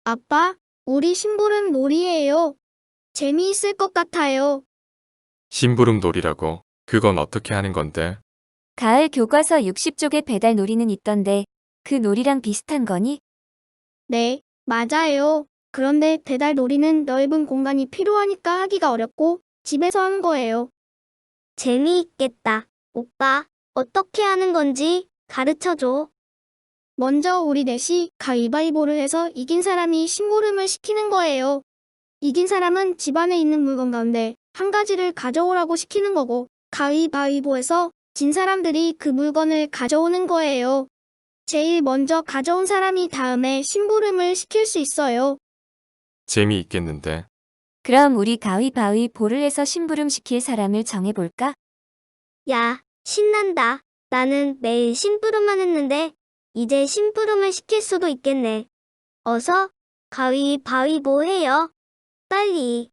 아빠, 우리 심부름 놀이예요. 재미있을 것 같아요. 심부름 놀이라고? 그건 어떻게 하는 건데? 가을 교과서 60쪽의 배달 놀이는 있던데 그 놀이랑 비슷한 거니? 네, 맞아요. 그런데 배달 놀이는 넓은 공간이 필요하니까 하기가 어렵고 집에서 하는 거예요. 재미있겠다. 오빠, 어떻게 하는 건지 가르쳐줘. 먼저 우리 넷이 가위바위보를 해서 이긴 사람이 심부름을 시키는 거예요. 이긴 사람은 집안에 있는 물건 가운데 한 가지를 가져오라고 시키는 거고, 가위바위보에서 진 사람들이 그 물건을 가져오는 거예요. 제일 먼저 가져온 사람이 다음에 심부름을 시킬 수 있어요. 재미있겠는데. 그럼 우리 가위바위보를 해서 심부름 시킬 사람을 정해볼까? 야, 신난다. 나는 매일 심부름만 했는데 이제 심부름을 시킬 수도 있겠네. 어서 가위바위보 해요. 빨리.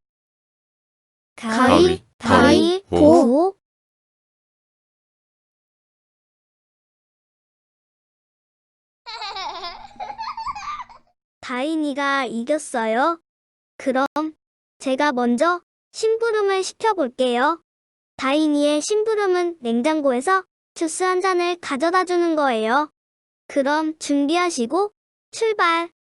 가위바위보. 다인이가 이겼어요. 그럼 제가 먼저 심부름을 시켜볼게요. 다인이의 심부름은 냉장고에서 주스 한 잔을 가져다 주는 거예요. 그럼 준비하시고 출발!